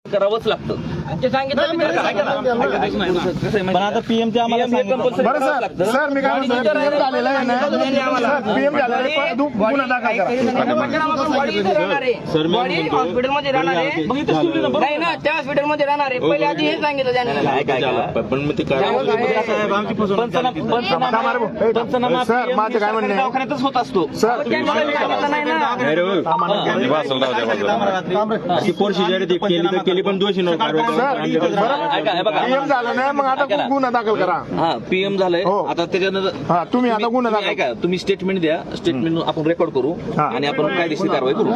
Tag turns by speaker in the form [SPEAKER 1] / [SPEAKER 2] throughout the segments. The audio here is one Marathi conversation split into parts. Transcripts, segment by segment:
[SPEAKER 1] करावंच लागतं.
[SPEAKER 2] पण आता पीएमचे आम्हाला
[SPEAKER 3] बरं सर मी काय म्हणतो पीएम झालेला आहे ना पीएम झालेला आहे गुन्हा दाखल करा
[SPEAKER 4] हॉस्पिटलमध्ये राहणार आहे नाही ना त्या हॉस्पिटलमध्ये राहणार आहे पहिले आधी हे सांगितलं त्यांनी
[SPEAKER 1] पण मग ते पंचनामा
[SPEAKER 3] सर माझं काय म्हणणं आहे
[SPEAKER 1] दवाखान्यातच होत असतो
[SPEAKER 3] सर
[SPEAKER 2] केली पण दोषी
[SPEAKER 3] पीएम झालं ना मग आता गुन्हा दाखल करा.
[SPEAKER 1] हा पीएम झालंय आता त्याच्यानंतर
[SPEAKER 3] हा तुम्ही आता गुन्हा दाखल
[SPEAKER 1] ऐका तुम्ही स्टेटमेंट द्या स्टेटमेंट आपण रेकॉर्ड करू आणि आपण कायदेशीर कारवाई करू.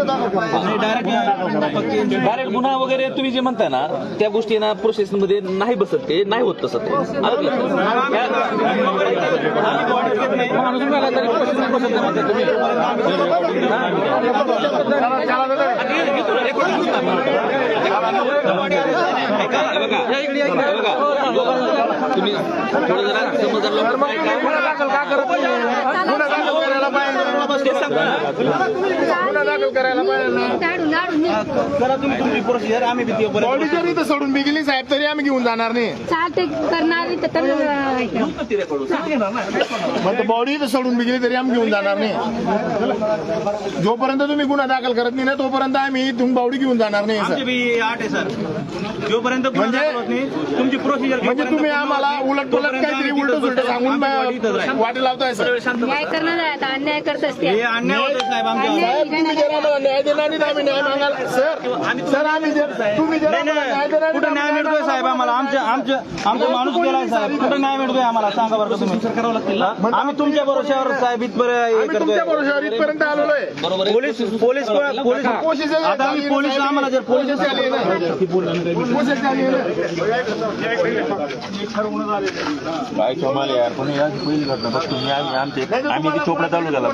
[SPEAKER 1] डायरेक्ट गुन्हा वगैरे तुम्ही जे म्हणताय ना त्या गोष्टी ना प्रोसेस मध्ये नाही बसत ते नाही होत तसं तुम्ही थोडं जरा समजदार
[SPEAKER 3] गुन्हा दाखल का करत गुन्हा दाखल करायला पाहिजे गुन्हा दाखल करायला पाहिजे
[SPEAKER 2] आम्ही
[SPEAKER 3] बॉडी जरी तर सोडून बी गेली साहेब तरी आम्ही घेऊन जाणार नाही मग बॉडी तर सोडून बी गेली तरी आम्ही घेऊन जाणार नाही. जोपर्यंत तुम्ही गुन्हा दाखल करत नाही ना तोपर्यंत आम्ही तुम्ही बॉडी घेऊन जाणार नाही सर.
[SPEAKER 2] आठ आहे सर जोपर्यंत तुमची प्रोसिजर
[SPEAKER 3] म्हणजे तुम्ही आम्हाला उलट पुलट काहीतरी उलट सुलट सांगून वाटे लावताय सर.
[SPEAKER 5] न्याय करणार आहे आता अन्याय करत असते
[SPEAKER 2] हे अन्याय होतोय साहेब आमच्या
[SPEAKER 3] साहेब तुम्ही जर आम्हाला न्याय देणार नाही तर आम्ही न्याय मागायला सर आम्ही तुम्ही जर आम्हाला न्याय देणार
[SPEAKER 2] कुठं न्याय मिळतोय साहेब आम्हाला आमचा माणूस गेलाय साहेब कुठं न्याय मिळतोय आम्हाला सांगा बरं तुम्ही करावं लागतील ना आम्ही तुमच्या भरोश्यावर साहेब इथपर्यंत
[SPEAKER 3] तुमच्या भरोशावर इथपर्यंत आलेलो आहे.
[SPEAKER 2] पोलीस आता आम्ही पोलीस आम्हाला जर पोलीस
[SPEAKER 3] आली ना
[SPEAKER 6] काय कमाल यार पण या पहिली घटना बघ तुम्ही आम्ही चोपडा चालू झाला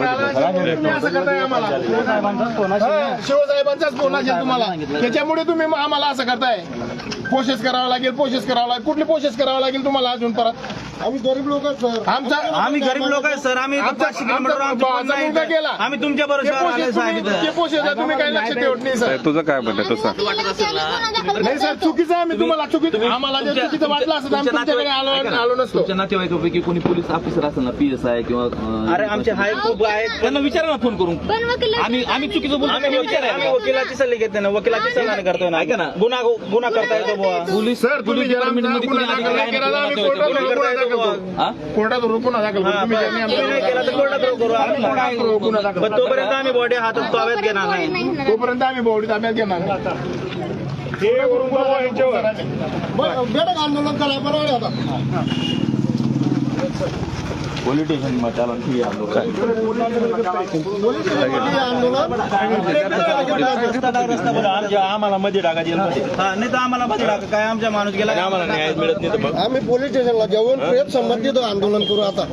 [SPEAKER 3] शिवसाहेबांचाच फोन असेल तुम्हाला त्याच्यामुळे तुम्ही आम्हाला असं करताय. प्रोसेस करावं लागेल कुठली प्रोसेस करावं लागेल तुम्हाला अजून परत आम्ही गरीब लोक
[SPEAKER 2] आम्ही गरीब लोक आहे सर आम्ही 500 किलोमीटर
[SPEAKER 3] गेला
[SPEAKER 2] आम्ही तुमच्या भरोश्यावर
[SPEAKER 3] प्रोसेस आहे तुम्ही काही लक्ष ठेवत नाही सर.
[SPEAKER 6] तुझं काय म्हणतं तसं
[SPEAKER 3] नाही सर चुकीचं आम्ही तुम्हाला चुकीचं आम्हाला जर चुकीचं वाटलं असं आम्ही तुमच्याकडे आलो नसतो.
[SPEAKER 1] तुमच्या नातेवाईकापैकी कोणी पोलीस ऑफिसर असेल ना PSI किंवा
[SPEAKER 2] अरे आमचे हाय खूप आहेत
[SPEAKER 1] त्यांना विचारा ना फोन करून आम्ही चुकीचं बोलतो
[SPEAKER 2] आम्ही वकिलाची सल्ले घेते ना वकिलाची सल्ला करतोय ना
[SPEAKER 1] ऐका ना
[SPEAKER 2] गुन्हा करता येतो बुवा
[SPEAKER 1] पोलीस
[SPEAKER 3] सर तुम्ही जर कोर्टात गुन्हा दाखल करू तुम्ही ज्यांनी
[SPEAKER 2] नाही केला तर कोर्टात करू
[SPEAKER 3] गुन्हा दाखल
[SPEAKER 2] पण तोपर्यंत आम्ही बॉडी हातात ताब्यात घेणार नाही
[SPEAKER 3] तोपर्यंत आम्ही बॉडी ताब्यात घेणार हे आंदोलन करा बरोबर
[SPEAKER 6] पॉलिटिशियन चालन ठीक आम्हाला मध्ये टाका
[SPEAKER 2] नाही तर आम्हाला मध्ये टाका काय आमच्या माणूस गेला
[SPEAKER 6] आम्हाला न्याय मिळत नाही तर मग
[SPEAKER 3] आम्ही पोलीस स्टेशनला जाऊन प्रेम संबंधित आंदोलन करू आता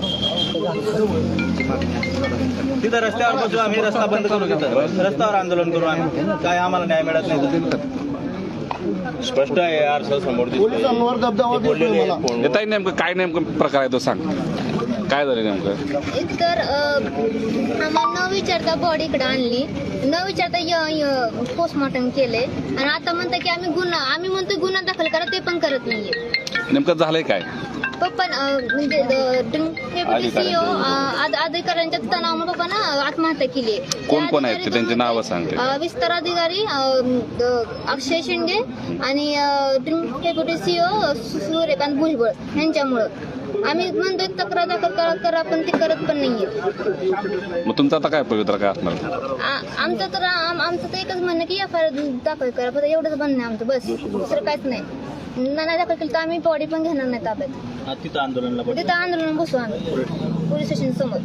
[SPEAKER 2] तिथं रस्त्यावर बसू आम्ही रस्ता बंद करू तिथं रस्त्यावर आंदोलन करू आम्ही काय आम्हाला न्याय मिळत नाही
[SPEAKER 6] स्पष्ट आहे यार सर समोर
[SPEAKER 3] पोलिसांवर दबदबा देतोय मला.
[SPEAKER 7] ताई नेमकं काय नेमकं प्रकार आहे तो सांग काय झालं नेमकं.
[SPEAKER 5] तर आम्हाला न विचारता बॉडी इकडे आणली न विचारता पोस्टमॉर्टम केले आणि आता म्हणता की आम्ही म्हणतो गुन्हा दाखल करा ते पण करत नाहीये.
[SPEAKER 7] नेमकं झालंय काय
[SPEAKER 5] पप्पा म्हणजे CEO अधिकाऱ्यांच्या तणावामुळे पप्पानं आत्महत्या केली.
[SPEAKER 7] कोण आहेत ते त्यांची नावं सांगते.
[SPEAKER 5] विस्तार अधिकारी अक्षय शिंदे आणि डेप्युटी CEO सूर्यकांत भुजबळ यांच्यामुळं आम्ही म्हणतोय तक्रार दाखल करा पण ते करत पण नाहीये.
[SPEAKER 7] मग तुमचं आता काय पवित्र काय असणार
[SPEAKER 5] आमचं तर एकच म्हणणं की FIR दाखल करा फक्त एवढंच म्हणणं आहे आमचं बस दुसरं काहीच नाही. नाही दाखल केलं तर आम्ही बॉडी पण घेणार नाही ताब्यात
[SPEAKER 2] तिथं
[SPEAKER 5] आंदोलन बसू आम्ही पोलीस स्टेशन समोर.